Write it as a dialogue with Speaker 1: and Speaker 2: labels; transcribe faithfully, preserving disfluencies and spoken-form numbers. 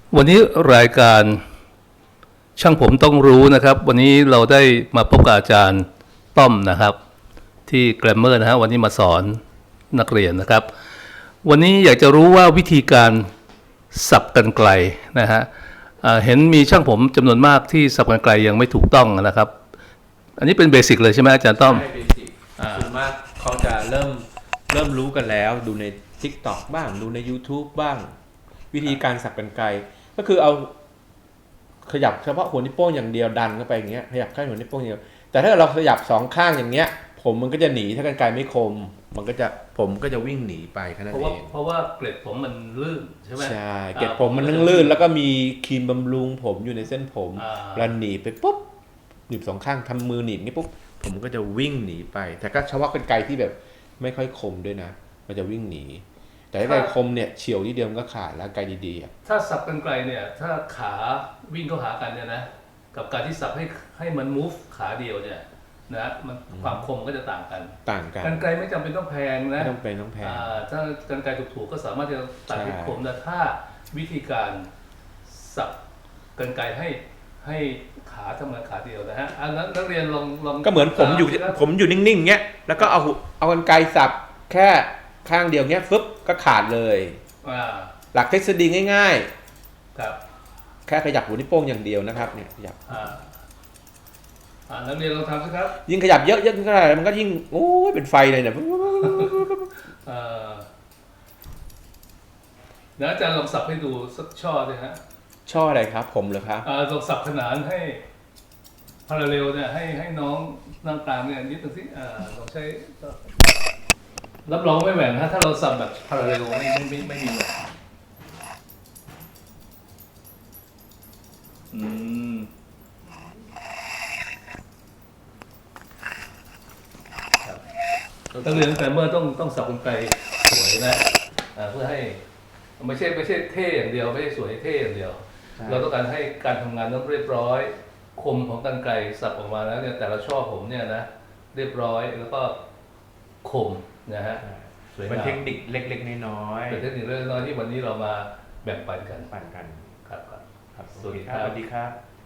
Speaker 1: วันนี้รายการช่างผมต้องรู้นะครับวันนี้เราได้มาพบกับอาจารย์ต้อมนะครับที่แกรมเมอร์นะฮะวันนี้มาสอนนักเรียนนะครับวันนี้อยากจะรู้ว่าวิธีการสับกรรไกรนะฮะเห็นมีช่างผมจำนวนมากที่สับกรรไกรยังไม่ถูกต้องนะครับอันนี้เป็นเบสิกเลยใช่ไหมอาจารย์ต้อม
Speaker 2: ใช่เบสิกส่วนมากเขาจะเริ่มเริ่มรู้กันแล้วดูใน ทิกต็อก บ้างดูใน ยูทูบ บ้างวิธีการสับกรรไกรก็คือเอาขยับเฉพาะหัวนิ้วโป้งอย่างเดียวดันเข้าไปอย่างเงี้ยขยับแค่หัวนิ้วโป้งอย่างเดียวแต่ถ้าเราขยับสองข้างอย่างเงี้ยผมมันก็จะหนีถ้ากรรไกรไม่คมมันก็จะผมก็จะวิ่งหนีไปแค่นั้นเอง
Speaker 1: เพราะว่าเกล็ดผมมันลื่นใช่ไหม
Speaker 2: ใช่เกล็ดผมมันลื่นแล้วก็มีครีมบำรุงผมอยู่ในเส้นผมแล้วหนีไปปุ๊บหนีบสองข้างทำมือหนีบงี้ปุ๊บผมก็จะวิ่งหนีไปแต่ก็เฉพาะกรรไกรที่แบบไม่ค่อยคมด้วยนะมันจะวิ่งหนีแต่ถ้ากรรไกรคมเนี่ยเฉียวที่เดียวมันก็ขาดแล้วกรรไกรดีๆ
Speaker 1: ถ้าสับกรรไกรเนี่ยถ้าขาวิ่งเข้าหากันเนี่ยนะกับการที่สับให้ให้มัน move ขาเดียวเนี่ยนะมันความคมก็จะต่างกัน
Speaker 2: ต่างกัน
Speaker 1: กรรไกรไม่จำเป็นต้องแพงนะ
Speaker 2: ไม่ต้องเป็นต้องแพง
Speaker 1: ถ้ากรรไกรถูกๆก็สามารถจะตัดให้คมแต่ถ้าวิธีการสับกรรไกรให้ให้ขาทำงานขาเดียวนะฮะอันนั้นนักเรียนลองลอง
Speaker 2: ก็เหมือนผมอยู่ผมอยู่นิ่งๆเงี้ยแล้วก็เอาเอากรรไกรสับแค่ข้างเดียวเงี้ยฟึบก็ขาดเลยหลักทฤษฎีง่าย
Speaker 1: ๆครับ
Speaker 2: แค่ขยับหัวนิ้วโป้งอย่างเดียวนะครับเนี่ยขยับ
Speaker 1: อ่านักเรียนลองทำสิครับ
Speaker 2: ยิ่งขยับเยอะเยอะเท่าไหร่มันก็ยิ่งโอ้ยเป็นไฟเลยเนี่ย
Speaker 1: เดี๋ยวอาจารย์ลองสับให้ดูสักช่อเลยฮะ
Speaker 2: ช่ออะไรครับผมเหรอครับ
Speaker 1: อ่าลองสับขนานให้พาราเรลเนี่ยให้ให้น้องนั่งตามเนี่ยนิดนึงสิอ่าลองใช้รับรองไม่แหว่งฮะถ้าเราสับแบบพาราเรลไม่ไม่ไม่ไม่มีแหว่งอืมนักเรียนแต่เมื่อต้องต้องสับกรรไกรสวยนะเพื่อให้ไม่ใช่ไม่ใช่เท่อย่างเดียวไม่ใช่สวยเท่อย่างเดียวเราต้องการให้การทำงานต้องเรียบร้อยคมของกรรไกรสับออกมาแล้วเนี่ยแต่ละช่อผมเนี่ยนะเรียบร้อยแล้วก็คมนะฮะ
Speaker 2: เป็นเทคนิคเล็กๆน้อย
Speaker 1: ๆเป็นเทคนิคเล็กๆน้อยที่วันนี้เรามาแบ่งปันกัน
Speaker 2: ปันกัน
Speaker 1: ครับ
Speaker 2: ครับสวัสดีครับสวัสดีครับ